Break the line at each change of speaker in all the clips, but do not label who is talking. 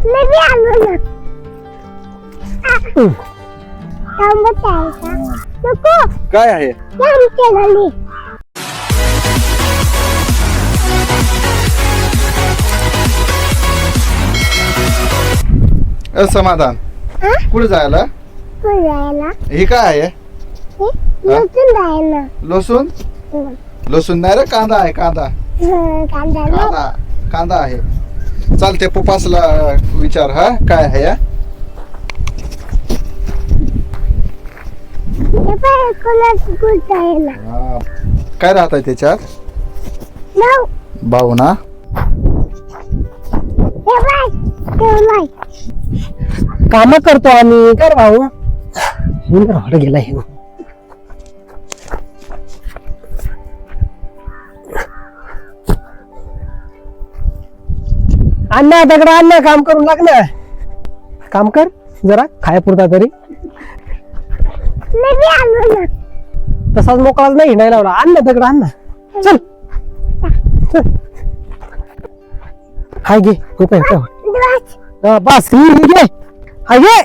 मी आलो ना. थांबत आहे का? नको.
काय आहे?
आमच्या घरी.
समाधान कुठे जायला?
जायला.
हे काय आहे?
लसूण जायला.
लसूण? लसूण नाही रे, कांदा आहे. कांदा
कांदा.
कांदा कांदा आहे. चालते पप्पासला विचार. हा काय आहे या? हा. काय राहत आहे त्याच्यात? भाऊ ना.
काम करतो आम्ही. कर भाऊ. गेला हे. अण्णा दगड अण्णा काम करून लागलं. काम कर जरा खायापुरता तरी. तसाच मोकळाच नाही हिंडायला लावला. अण्णा दगड अण्णा. चल चल. हाय घे. बस घे. हाय घे.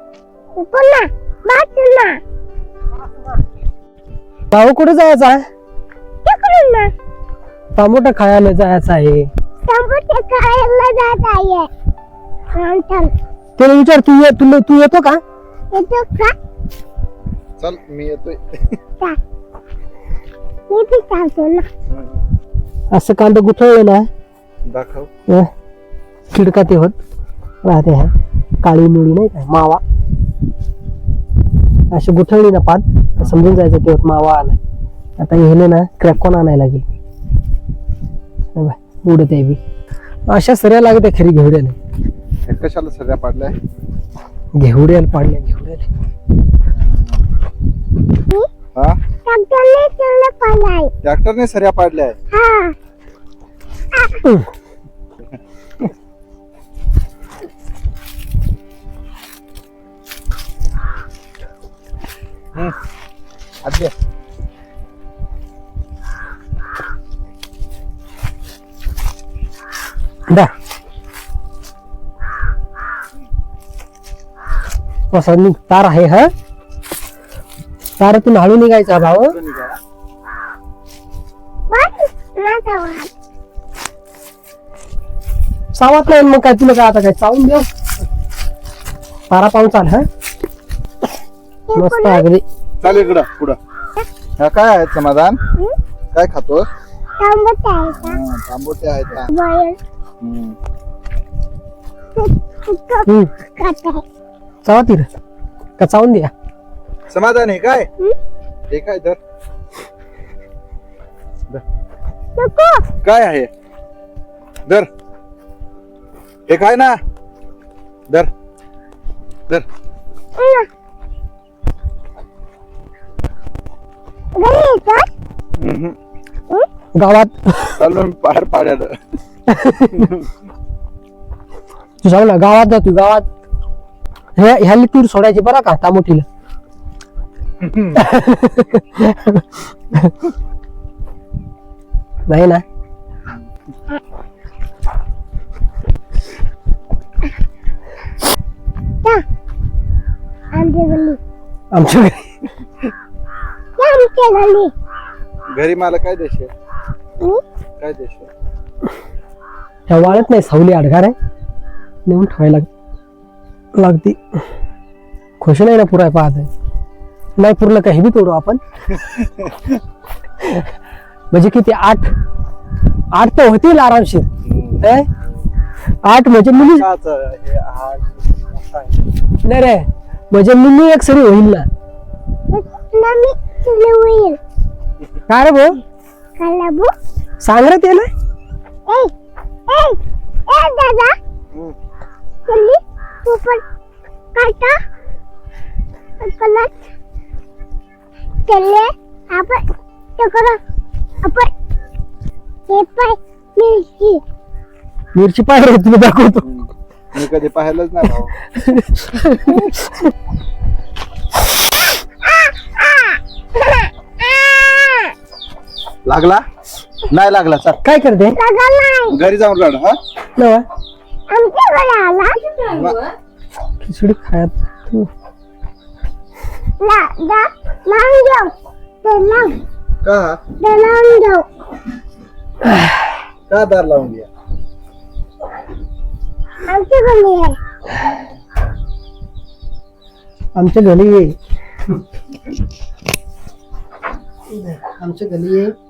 भाऊ कुठे जायचा आहे? टमाटर खायला जायचं आहे. त्याला विचार तू येतो का?
चल मी येतोय.
असं कांदा गुठळलं ना
दाखव.
खिडका ते होत राहते. हा काळी मिळी नाही काय मावा अशी गुठळली ना पात समजून जायचं ते होत मावा आलाय. आता हेले ना क्रॅकॉन आणायला लागेल. उडत आहे बी अशा सऱ्या लागत खरी घेवड्याला.
कशाला सगळ्या पाडल्या?
घेवड्याला पाडल्या घेवड्याला.
हा ट्रॅक्टरने सऱ्या पाडल्या. आद्य
दा तार आहे. हा तारातून हळू निघायचा भाऊ. सावत नाही मग काय तुला काय आता काय चावून देऊ. तारा पाहून चाल. हा मस्त अगदी.
चाल इकडं पुढं. हा काय आहे समाधान? काय खातो? तांबोटे आहेत का?
चावा तिर का चावून द्या.
समाधान आहे काय? हे काय धर. काय आहे? धर. हे काय ना? धर धर.
गावात
चालून बाहेर पाड्याला.
तू सांग ना गावात जा. तू गावात ह्याली तूर सोडायची बरं का तामोठीला. नाही ना. आमच्या घरी
घरी मला काय देश काय देश?
ह्या वाळत नाही. सावली अडगार आहे. नेऊन ठेवायला लागती. खुश नाही ना पुराय पाहत आहे. नाही पुरलं काही बी तोडू आपण. म्हणजे किती 8 तर होतील आरामशीर. 8 म्हणजे मुली नाही रे. म्हणजे मुली एक सरी होईल ना. काय रे भाऊ? सांग रे त्याला.
दादा काटा चले आपण
मिरची पाहिजे तुला दाखवतो.
मी कधी पाहिलंच नाही भाऊ. लागला नाही लागला. चल
काय करते?
घरी जाऊन रड. हा
नवा
आमच्या आला
खिचडी खायत तू
ला दा लावून जाऊ ते लाव
का
ते लावून जाऊ
का दार लावून घ्या
आमची गल्ली आहे
आमच्या घरी ये आमच्या घरी ये